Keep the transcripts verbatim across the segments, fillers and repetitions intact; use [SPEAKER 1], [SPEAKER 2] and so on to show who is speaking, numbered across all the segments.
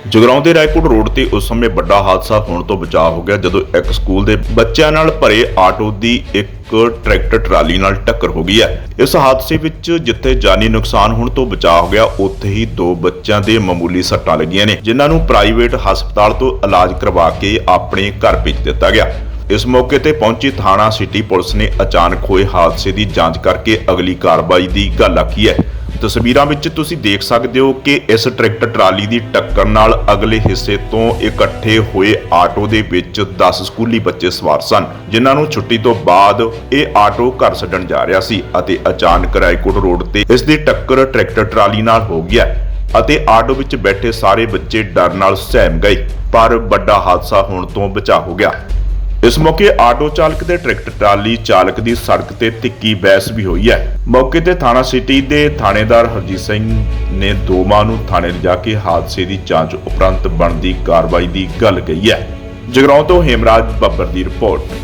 [SPEAKER 1] ਜਗਰਾਉਂ ਦੇ ਰਾਏਕੋਟ ਰੋਡ ਤੇ ਉਸ ਸਮੇਂ ਵੱਡਾ ਹਾਦਸਾ ਹੋਣ ਤੋਂ ਬਚਾਅ ਹੋ ਗਿਆ ਜਦੋਂ ਇੱਕ ਸਕੂਲ ਦੇ ਬੱਚਿਆਂ ਨਾਲ ਭਰੇ ਆਟੋ ਦੀ ਇੱਕ ਟਰੈਕਟਰ ਟਰਾਲੀ ਨਾਲ ਟੱਕਰ ਹੋ ਗਈ ਹੈ। ਇਸ ਹਾਦਸੇ ਵਿੱਚ ਜਿੱਥੇ ਜਾਨੀ ਨੁਕਸਾਨ ਹੋਣ ਤੋਂ ਬਚਾਅ ਹੋ ਗਿਆ, ਉੱਥੇ ਹੀ ਦੋ ਬੱਚਿਆਂ ਦੇ ਮਾਮੂਲੀ ਸੱਟਾਂ ਲੱਗੀਆਂ ਨੇ, ਜਿਨ੍ਹਾਂ ਨੂੰ ਪ੍ਰਾਈਵੇਟ ਹਸਪਤਾਲ ਤੋਂ ਇਲਾਜ ਕਰਵਾ ਕੇ ਆਪਣੇ ਘਰ ਭੇਜ ਦਿੱਤਾ ਗਿਆ। ਇਸ ਮੌਕੇ ਤੇ ਪਹੁੰਚੀ ਥਾਣਾ ਸਿਟੀ ਪੁਲਿਸ ਨੇ ਅਚਾਨਕ ਹੋਏ ਹਾਦਸੇ ਦੀ ਜਾਂਚ ਕਰਕੇ ਅਗਲੀ ਕਾਰਵਾਈ ਦੀ ਗੱਲ ਆਖੀ ਹੈ। ਤਸਵੀਰਾਂ ਵਿੱਚ ਤੁਸੀਂ ਦੇਖ ਸਕਦੇ ਹੋ ਕਿ ਇਸ ਟਰੈਕਟਰ ਟਰਾਲੀ ਦੀ ਟੱਕਰ ਨਾਲ ਅਗਲੇ ਹਿੱਸੇ ਤੋਂ ਇਕੱਠੇ ਹੋਏ ਆਟੋ ਦੇ ਵਿੱਚ ਦਸ ਸਕੂਲੀ ਬੱਚੇ ਸਵਾਰ ਸਨ, ਜਿਨ੍ਹਾਂ ਨੂੰ ਛੁੱਟੀ ਤੋਂ ਬਾਅਦ ਇਹ ਆਟੋ ਘਰ ਛੱਡਣ ਜਾ ਰਿਹਾ ਸੀ ਅਤੇ ਅਚਾਨਕ ਰਾਏਕੋਟ ਰੋਡ ਤੇ ਇਸ ਦੀ ਟੱਕਰ ਟਰੈਕਟਰ ਟਰਾਲੀ ਨਾਲ ਹੋ ਗਿਆ ਅਤੇ ਆਟੋ ਵਿੱਚ ਬੈਠੇ ਸਾਰੇ ਬੱਚੇ ਡਰ ਨਾਲ ਸਹਿਮ ਗਏ, ਪਰ ਵੱਡਾ ਹਾਦਸਾ ਹੋਣ ਤੋਂ ਬਚਾ ਹੋ ਗਿਆ। ਇਸ ਮੌਕੇ ਆਟੋ ਚਾਲਕ ਤੇ ਟਰੈਕਟਰ ਟਰਾਲੀ ਚਾਲਕ ਦੀ ਸੜਕ ਤੇ ਤਿੱਖੀ ਬਹਿਸ ਵੀ ਹੋਈ ਹੈ। ਮੌਕੇ ਤੇ ਥਾਣਾ ਸਿਟੀ ਦੇ ਥਾਣੇਦਾਰ ਹਰਜੀਤ ਸਿੰਘ ਨੇ ਦੋਵਾਂ ਨੂੰ ਥਾਣੇ ਲਿਜਾ ਕੇ ਹਾਦਸੇ ਦੀ ਜਾਂਚ ਉਪਰੰਤ ਬਣਦੀ ਕਾਰਵਾਈ ਦੀ ਗੱਲ ਕਹੀ ਹੈ। ਜਗਰਾਉਂ ਤੋਂ ਹੇਮਰਾਜ ਬੱਬਰ ਦੀ ਰਿਪੋਰਟ।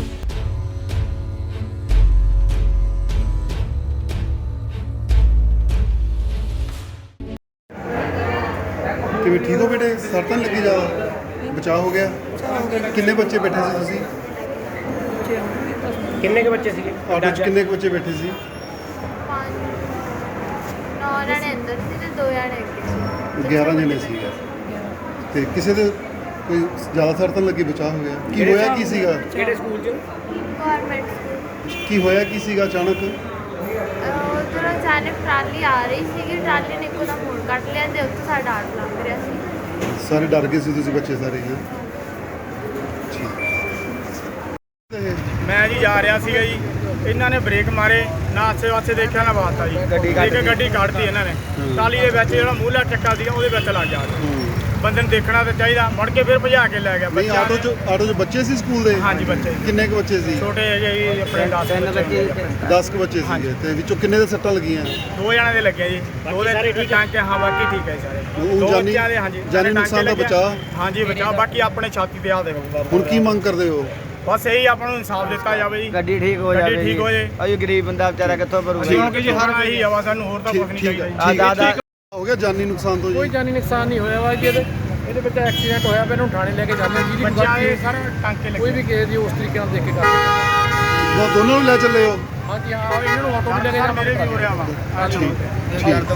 [SPEAKER 2] ਕਿਵੇਂ ਠੀਕ ਹੋ ਬੇਟੇ? ਸੱਟ ਤਾਂ ਨੀ ਲੱਗੀ ਜ਼ਿਆਦਾ? ਬਚਾਅ ਹੋ ਗਿਆ? ਕਿੰਨੇ ਬੱਚੇ ਬੈਠੇ ਸੀ ਤੁਸੀਂ?
[SPEAKER 3] ਕਿੰਨੇ ਕੁ ਬੱਚੇ ਸੀਗੇ
[SPEAKER 2] ਆਟੋ 'ਚ ਕਿੰਨੇ ਕੁ ਬੱਚੇ ਬੈਠੇ ਸੀ?
[SPEAKER 4] ਨੌ ਜਣੇ ਅੰਦਰ ਸੀ ਤੇ ਦੋ ਜਣੇ ਅੱਗੇ ਸੀ।
[SPEAKER 2] ਗਿਆਰਾਂ ਜਣੇ ਸੀਗੇ ਤੇ ਕਿਸੇ ਦੇ ਕੋਈ ਜ਼ਿਆਦਾ ਸੱਟ ਤਾਂ ਨੀ ਲੱਗੀ? ਬਚਾਅ ਹੋ ਗਿਆ? ਕੀ ਹੋਇਆ ਕੀ ਸੀਗਾ?
[SPEAKER 3] ਕਿਹੜੇ ਸਕੂਲ 'ਚ?
[SPEAKER 4] Government school.
[SPEAKER 2] ਕੀ ਹੋਇਆ ਕੀ ਸੀਗਾ ਅਚਾਨਕ?
[SPEAKER 4] ਉਧਰ ਅਚਾਨਕ ਟਰਾਲੀ ਆ ਰਹੀ ਸੀਗੀ, ਟਰਾਲੀ ਨੇ ਇੱਕੋ ਦਾ ਮੋੜ ਕੱਟ ਲਿਆ ਤੇ ਉੱਥੇ ਸਾਡਾ ਆਟੋ ਲੰਘ ਰਿਹਾ ਸੀ।
[SPEAKER 2] ਸਾਰੇ ਡਰ ਗਏ ਸੀ ਤੁਸੀਂ ਬੱਚੇ ਸਾਰੇ? ਹਾਂ
[SPEAKER 5] ਮੈਂ ਜੀ ਜਾ ਰਿਹਾ ਸੀਗਾ ਜੀ, ਇਹਨਾਂ ਨੇ ਬ੍ਰੇਕ ਮਾਰੇ ਨਾ, ਆਸੇ ਪਾਸੇ ਦੇਖਿਆ ਨਾ ਬਾਤ ਆ ਜੀ, ਇੱਕ ਗੱਡੀ ਕੱਢਤੀ ਇਹਨਾਂ ਨੇ ਟਰਾਲੀ ਦੇ ਵਿੱਚ, ਜਿਹੜਾ ਮੂਹਲਾ ਚੱਕਾ ਸੀਗਾ ਉਹਦੇ ਵਿੱਚ ਲੱਗ ਗਿਆ। ਬੰਦੇ ਨੂੰ ਦੇਖਣਾ ਤਾਂ ਚਾਹੀਦਾ, ਮੁੜ ਕੇ ਫਿਰ ਭਜਾ ਕੇ ਲੈ ਗਿਆ।
[SPEAKER 2] ਨਹੀਂ, ਆਟੋ 'ਚ ਆਟੋ 'ਚ ਬੱਚੇ ਸੀ ਸਕੂਲ ਦੇ?
[SPEAKER 5] ਹਾਂਜੀ ਬੱਚੇ।
[SPEAKER 2] ਕਿੰਨੇ ਕੁ ਬੱਚੇ ਸੀ?
[SPEAKER 5] ਛੋਟੇ ਜਿਹੇ ਆਪਣੇ ਦਸ ਬੱਚੇ।
[SPEAKER 2] ਦਸ ਕੁ ਬੱਚੇ ਸੀਗੇ ਤੇ ਵਿੱਚੋਂ ਕਿੰਨੇ ਦੇ ਸੱਟਾਂ ਲੱਗੀਆਂ?
[SPEAKER 5] ਦੋ ਜਣਿਆਂ ਦੇ ਲੱਗੇ ਜੀ, ਦੋ ਦੇ ਠੀਕ ਠਾਕ। ਹਾਂ ਬਾਕੀ ਠੀਕ ਹੈ ਸਾਰੇ।
[SPEAKER 2] ਉਹ
[SPEAKER 5] ਦੋ
[SPEAKER 2] ਜਾਨੀ-
[SPEAKER 5] ਬੱਚਿਆਂ ਦੇ ਹਾਂਜੀ
[SPEAKER 2] ਜਾਨੀ ਨੁਕਸਾਨ ਦਾ ਬਚਾਅ?
[SPEAKER 5] ਹਾਂਜੀ ਬਚਾਅ, ਬਾਕੀ ਆਪਣੇ ਛਾਤੀ ਤੇ ਆ ਦੇਖੋ।
[SPEAKER 3] ਹੁਣ
[SPEAKER 2] ਕੀ ਮੰਗ ਕਰਦੇ ਹੋ?
[SPEAKER 5] ਬਸ ਇਹੀ ਆਪਾਂ ਨੂੰ ਇਨਸਾਫ ਦਿੱਤਾ ਜਾਵੇ ਜੀ,
[SPEAKER 3] ਗੱਡੀ ਠੀਕ ਹੋ ਜਾਵੇ।
[SPEAKER 5] ਗੱਡੀ ਠੀਕ ਹੋ ਜੇ।
[SPEAKER 3] ਅਯੋ ਗਰੀਬ ਬੰਦਾ ਵਿਚਾਰਾ ਕਿੱਥੋਂ ਭਰੂਗਾ?
[SPEAKER 5] ਕਿਉਂਕਿ ਜੀ ਹਰ ਇਹੀ ਹਵਾ, ਸਾਨੂੰ ਹੋਰ ਤਾਂ ਕੁਝ ਨਹੀਂ ਚਾਹੀਦਾ ਜੀ।
[SPEAKER 3] ਆ ਦਾਦਾ
[SPEAKER 2] ਹੋ ਗਿਆ ਜਾਨੀ ਨੁਕਸਾਨ ਤੋਂ
[SPEAKER 6] ਕੋਈ
[SPEAKER 2] ਜੀ?
[SPEAKER 6] ਜਾਨੀ ਨੁਕਸਾਨ ਨਹੀਂ ਹੋਇਆ ਵਾ ਜੀ। ਇਹਦੇ ਇਹਦੇ ਵਿੱਚ ਐਕਸੀਡੈਂਟ ਹੋਇਆ, ਫਿਰ ਇਹਨੂੰ ਥਾਣੇ ਲੈ ਕੇ ਜਾਂਦੇ ਜੀ। ਦੀ
[SPEAKER 5] ਬੱਚਾ ਇਹ ਸਾਰਾ ਟਾਂਕੇ ਲੱਗੇ।
[SPEAKER 6] ਕੋਈ ਵੀ ਕੇਸ ਦੀ ਉਸ ਤਰੀਕੇ ਨਾਲ ਦੇਖ ਕੇ ਕਰਦੇ।
[SPEAKER 2] ਉਹ ਦੋਨੋਂ ਨੂੰ ਲੈ ਚੱਲੇ ਹੋ?
[SPEAKER 6] ਹਾਂਜੀ ਹਾਂ, ਇਹਨਾਂ ਨੂੰ ਆਟੋ ਵੀ ਲੈ ਕੇ ਜਾਣਾ।
[SPEAKER 5] ਮੇਰੇ ਵੀ ਹੋ ਰਿਹਾ ਵਾ।
[SPEAKER 2] ਠੀਕ ਠੀਕ